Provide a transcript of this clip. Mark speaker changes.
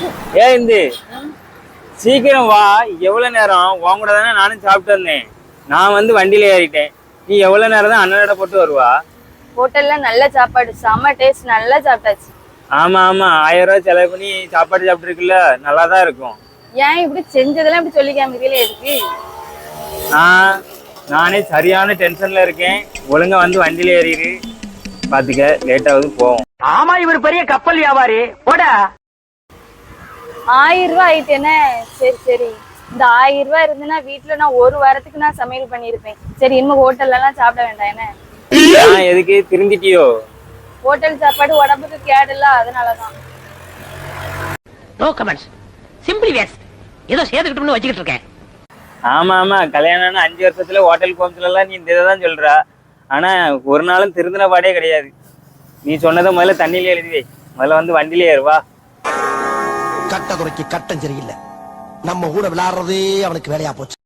Speaker 1: ஏன் இந்த சீக்கிரம் வா. எவ்வளவு நேரம் உன் கூட தானே நானும் சாப்பிட்டு வந்தேன். நான் வந்து வண்டியில ஏறிட்டேன். நீ எவ்வளவு நேரம் தான் அண்ணனோட போட்டு வருவா?
Speaker 2: ஹோட்டல்ல நல்ல சாப்பாடு, செம்ம டேஸ்ட், நல்லா சாப்பிட்டாச்சு.
Speaker 1: ஆமா ஆமா, 1000 ரூபாய் செலவு பண்ணி சாப்பாடு சாப்பிட்டுருக்குல்ல, நல்லாதான் இருக்கும்.
Speaker 2: ஏன் இப்படி செஞ்சதெல்லாம் இப்படி சொல்லி காமிக்கல எதுக்கு?
Speaker 1: நானே சரியான டென்ஷன்ல இருக்கேன். ஒழுங்கா வந்து வண்டியில ஏறிடு. பாத்துக்க, லேட்டாவது போவோம்.
Speaker 3: ஆமா, இவர் பெரிய கப்பல் வியாபாரி. போட
Speaker 2: 1000 ரூபாய் ஆயிட்டேனே. சரி சரி, இந்த 1000 ரூபாய் இருந்துன்னா வீட்டுல நான் ஒரு வாரத்துக்கு நான் சமையல் பண்ணிருப்பேன். சரி, இனிமே ஹோட்டல்ல எல்லாம் சாப்பிட வேண்டாம். என்ன
Speaker 1: எதுக்கு திருந்திட்டியோ?
Speaker 2: ஹோட்டல் சாப்பாடு உடம்புக்கு கேடு இல்ல, அதனாலதான்.
Speaker 3: No comments, simply waste. ஏதோ சேர்த்துக்கிட்டோம்னு வச்சுக்கிட்டு இருக்கேன்.
Speaker 1: ஆமா ஆமா, கல்யாணம்னு 5 வருஷத்துல ஹோட்டல் கோம்ஸ்ல எல்லாம் நீ இந்த இதான் சொல்றா. ஆனா ஒரு நாளும் திருந்தின பாடே கிடையாது. நீ சொன்னதை முதல்ல தண்ணியில எழுதி வை. முதல்ல வந்து வண்டியில ஏறுவா.
Speaker 4: கட்ட குறைக்கு கட்டம் சரியில்லை. நம்ம கூட விளையாடுறதே அவனுக்கு வேலையா போச்சு.